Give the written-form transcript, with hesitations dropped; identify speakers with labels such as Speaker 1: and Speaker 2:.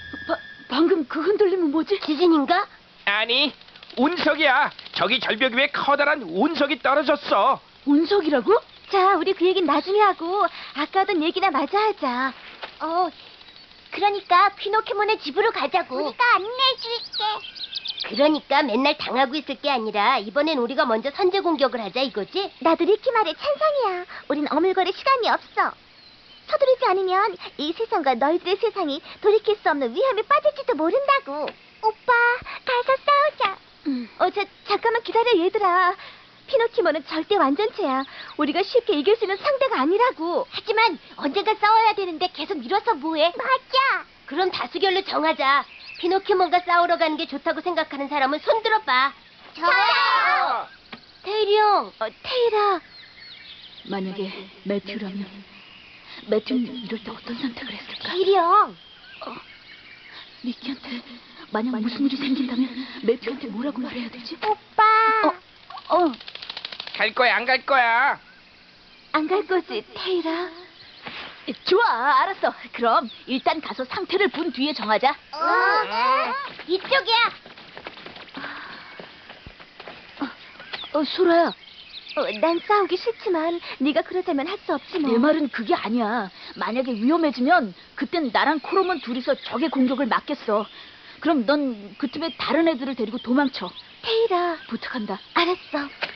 Speaker 1: 방금 그 흔들림은 뭐지?
Speaker 2: 지진인가?
Speaker 3: 아니, 운석이야. 저기 절벽 위에 커다란 운석이 떨어졌어.
Speaker 1: 운석이라고?
Speaker 2: 자, 우리 그 얘긴 나중에 하고 아까 하던 얘기나 마저 하자. 그러니까 피노키몬의 집으로 가자고. 우리가 안내해줄게. 그러니까 맨날 당하고 있을 게 아니라 이번엔 우리가 먼저 선제 공격을 하자 이거지? 나도 리키 말에 찬성이야. 우린 어물거릴 시간이 없어. 서두르지 않으면 이 세상과 너희들의 세상이 돌이킬 수 없는 위험에 빠질지도 모른다고. 오빠, 가서 싸우자. 잠깐만 기다려 얘들아. 피노키몬은 절대 완전체야. 우리가 쉽게 이길 수 있는 상대가 아니라고. 하지만 언젠가 싸워야 되는데 계속 미뤄서 뭐해? 맞아. 그럼 다수결로 정하자. 피노키몬과 싸우러 가는 게 좋다고 생각하는 사람은 손 들어봐. 저요. 테일이 형. 테일아.
Speaker 1: 만약에 매튜라면 매튜는 이럴 때 어떤 선택을 했을까?
Speaker 2: 테일이 형.
Speaker 1: 리키한테 만약 무슨 일이 생긴다면 매튜한테 뭐라고 말해야 되지?
Speaker 2: 오빠.
Speaker 3: 갈 거야, 안 갈 거야?
Speaker 2: 안 갈 거지, 테일아?
Speaker 1: 좋아, 알았어. 그럼 일단 가서 상태를 본 뒤에 정하자.
Speaker 2: 이쪽이야.
Speaker 1: 소라야,
Speaker 2: 난 싸우기 싫지만 네가 그러자면 할 수 없지 뭐.
Speaker 1: 내 말은 그게 아니야. 만약에 위험해지면 그땐 나랑 코로몬 둘이서 적의 공격을 막겠어. 그럼 넌 그 틈에 다른 애들을 데리고 도망쳐.
Speaker 2: 테일아.
Speaker 1: 부탁한다.
Speaker 2: 알았어.